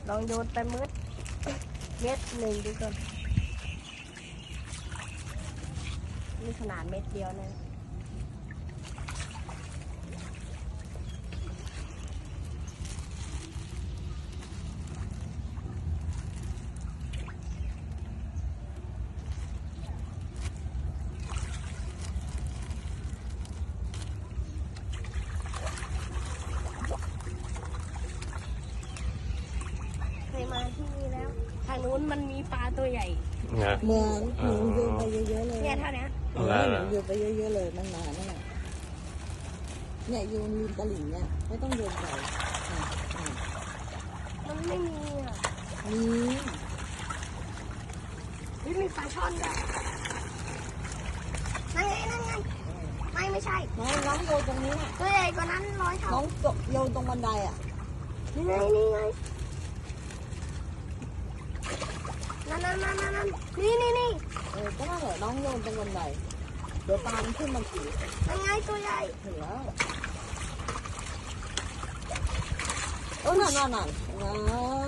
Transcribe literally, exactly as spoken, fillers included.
ลองโยนไปมืดเม็ดหนึ่งดูก่อนนี่ขนาดเม็ดเดียวนะเคยมาที่นี่แล้วทางนู้นมันมีปลาตัวใหญ่เหมือนหนูโยนไปเยอะๆเลยเนี่ยเท่านี้เออหนูโยนไปเยอะๆเลยมันมานั่นแหละเนี่ยโยนริมตลิ่งเนี่ยไม่ต้องโยนไปมันไม่มีอ่ะมีนี่มีปลาช่อนด้วยนั่นไงนั่นไงไม่ไม่ใช่น้องน้องโยนตรงนี้ตัวใหญ่กว่านั้นร้อยเท่าน้องโยนตรงบันไดอ่ะนี่ไงนี่ไงนั่นนั่นนั่นนั่นนี่นี่นี่เออก็นั่นแหละน้องโยนตรงบันไดเดี๋ยวปลามันขึ้นมาขี่นั่นไงตัวใหญ่เห็นแล้วเออนั่นนั่นนั่น